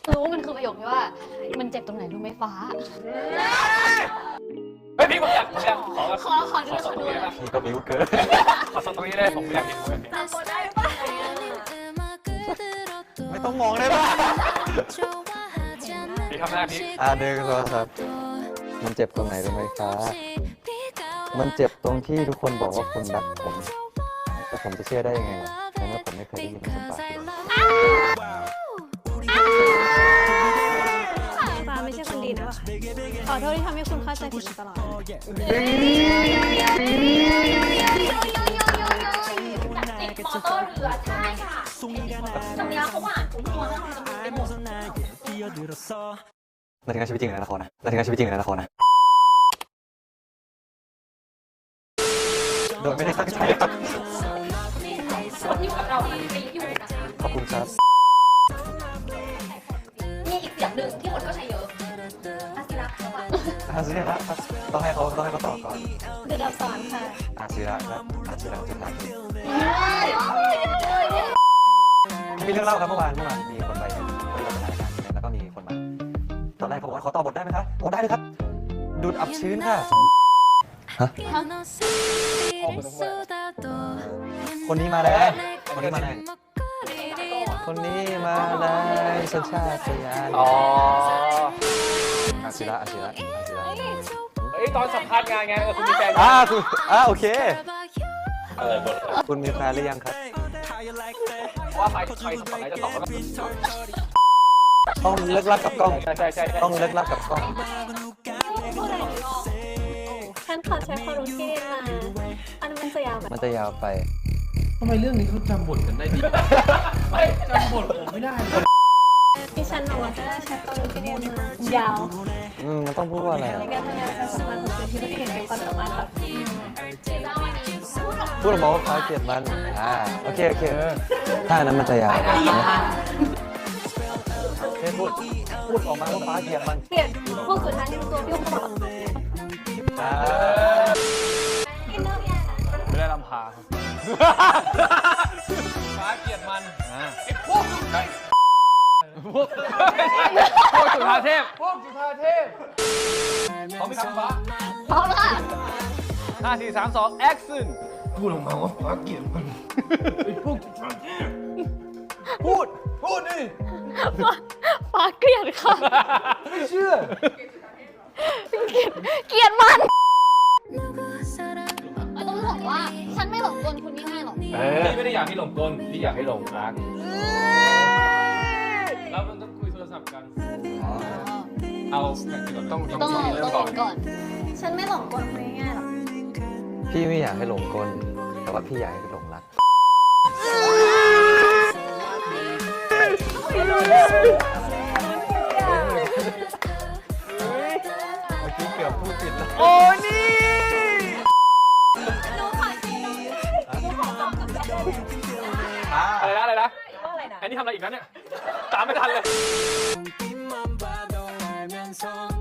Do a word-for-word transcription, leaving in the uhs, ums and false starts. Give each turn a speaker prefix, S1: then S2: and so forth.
S1: รู้มันคือประโยคที่ว่ามันเจ็บตรงไหนรู้ไหมฟ้า
S2: เฮ้ยพี่ผมอยากผมอยากขอ
S1: ขอขอดู
S2: ขอ
S1: ข
S2: ส
S1: อ
S2: องต
S1: ดู
S2: รงนี้ได้ปะ
S3: พี่ก็บิ้วเกิน
S2: ขอสองตรงนี้ได้ผมอยากเห็นผมอยากเห็น
S1: ตามคนได้ปะ
S3: ไม่ต้องมองได้ป่ะ
S2: พี่ทำหน้าพี่
S3: อ่าเดินโทรศัพท์มันเจ็บตรงไหนรู้ไหมฟ้ามันเจ็บตรงที่ทุกคนบอกว่าคุณรักผมแต่ผมจะเชื่อได้ยังไงล่ะในเมื่อผมไม่เคยได้ยินมันจากปากคุณ
S4: ฟ้าไม่ใช่คนดีนะขอโทษที่ทำให้คุณเข้าใจผิดมาตลอด
S1: ติดมอเตอร์เรือใช่ค่ะตรงนี้เขาหวานทุกตัวนะจะมีเป็นหมด
S3: มาถึงงานชีวิตจริงในละครนะมาถึงงานชีวิตจริงในละครนะโดยไม่ได้ตั้งใจครับ
S1: คนที่อยู่กับเราปีอยู่นะคะ
S3: ขอบคุณครับ
S1: มีอีกเสียงหนึ่งที่คนก็ใช้เยอะอาศิระเขาว่า
S3: อาศิระครับต้องให้เขาต้องให้เขาตอบก่อน
S4: เดือดสอนค่ะ
S3: อาศิระครับอาศิระจุฬาภรณ์มีเรื่องเล่าครับเมื่อวานเมื่อวานมีคนไปคนที่เราไปถ่ายรายการแล้วก็มีคนมาตอนแรกเขาบอกว่าขอต่อบทได้ไหมคะโอ้ได้เลยครับดูดอับชื้นค่ะฮะคนนี้มาแรงคนนี้มาแรงคนนี้มาแรงสัญชาตญาณ
S2: อ๋อ
S3: อาศิระอาศิระอาศิระ
S2: เฮ้ยตอนสัมภาษณ์งานไงเออคุณมีแฟน
S3: อ่าคุณอ่าโอเค
S2: อะไรบท
S3: คุณมีแฟนหรือยังครับ
S2: ว่าใครใครสมัยจะตอบว่า
S3: ต้องเลิกลักกับกล้อง
S2: ใช่ใช่ใช่
S3: ต้องเลิกลักกับกล้อง
S4: ฉันขอใช้ความรู้ที่ได้มาอันนั้นมันจะยาวแบบ
S3: มันจะยาวไป
S5: ทำไมเรื่องนี้เขาจำบทกันได้ดีจำบทผมไม่ได้เลย
S4: ที่ฉันบอกว่าจะได้ใช้ความรู้ที่ได้มายาว
S3: อืมมันต้องพูดว่าอะไร
S4: ใน
S3: อ่ะ
S4: การทำงานประสบการณ์ของตัวที่ไม่ได้เห็นเป็นความสามารถแบบ
S3: พูดออกมาว่าฟ้าเกลียดมันอ่าโอเคโอเคถ้าอันนั้นมันจะยาวนะเฮ้ยพูดพูดออกมาว่าฟ้าเกลียดมัน
S4: เปลี่ยนพวกสุดท้ายที่ตัวพี่เขาบอก
S3: อ่า
S2: ไม่ได้ลำพาฟ้าเกียรติมันไอ้พวกใช่พวกพวกจุฬาเทพพวกจุฬาเทพพร้อมไหมครับฟ้า
S1: พร้อมแล้วค่ะ
S2: ห้าสี่สามสองแอคชั่น
S5: พูดออกมาว่าฟ้าเกลียดมันไอ้พวกจุฬาเทพ
S2: พูดพูดดิ
S1: ฟ้าเกลียดค่ะ
S5: ไม่เชื่อ
S1: เกลียดมันต้องบอกว่าฉันไม่หลงกลคุณง่ายๆหรอก
S2: พี่ไม่ได้อยากให้หลงกลพี่อยากให้หลงรักแล้วมันต้องคุยโทรศัพท์กันเอาต้อง
S1: ต้องหลง
S2: เริ่
S1: ต้
S2: ม
S1: องห
S2: ก่
S1: ล
S2: อน
S1: งก่อน
S4: ฉันไม่หลงกลคุณง่ายๆหรอก
S3: พี่ไม่อยากให้หลงกลแต่ว่าพี่อยากให้หลงรักเมื่อกี้เกือบพูดผิดแล้ว
S2: โอ้นี่อะไรนะอะไรนะอันนี้ทำอะไรอีกแล้วเนี่ยตามไม่ทันเลย